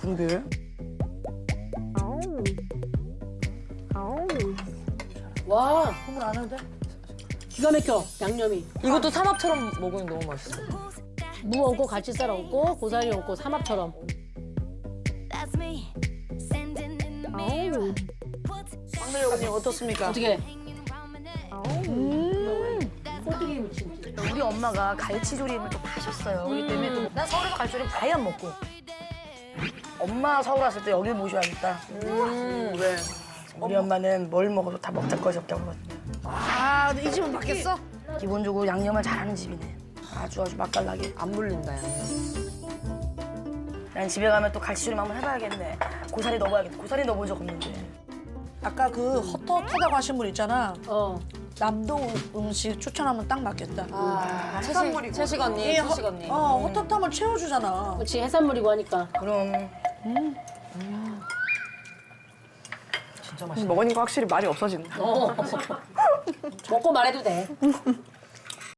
그러게. 와, 국물 안 해도 돼? 기가 막혀, 양념이. 이것도 삼합처럼 먹으면 너무 맛있어. 무 얹고 같이 썰어 얹고 고사리 얹고 삼합처럼. 막내 여군님 어떻습니까? 어떻게? 우리 엄마가 갈치조림을 좀 하셨어요. 그렇기 때문에 또 난 서울에서 갈치조림 아예 안 먹고. 엄마 서울 왔을 때 여길 모셔야겠다. 왜? 우리 엄마는 뭘 먹어도 다 먹자 것이 없다고 그러거든요. 아, 근데 이 집은 바뀌었어? 기본적으로 양념을 잘하는 집이네. 아주 맛깔나게. 안 물린다, 양념. 난 집에 가면 또 갈치조림 한번 해봐야겠네. 고사리 넣어봐야겠다. 고사리 넣어본 적 없는데. 아까 그 헛헛하다고 하신 분 있잖아. 어. 남동 음식 추천하면 딱 맞겠다. 채식 언니, 채식 언니. 헛헛함을 채워주잖아. 그렇지, 해산물이고 하니까. 그럼 먹으니까 확실히 말이 없어진다. 먹고 말해도 돼.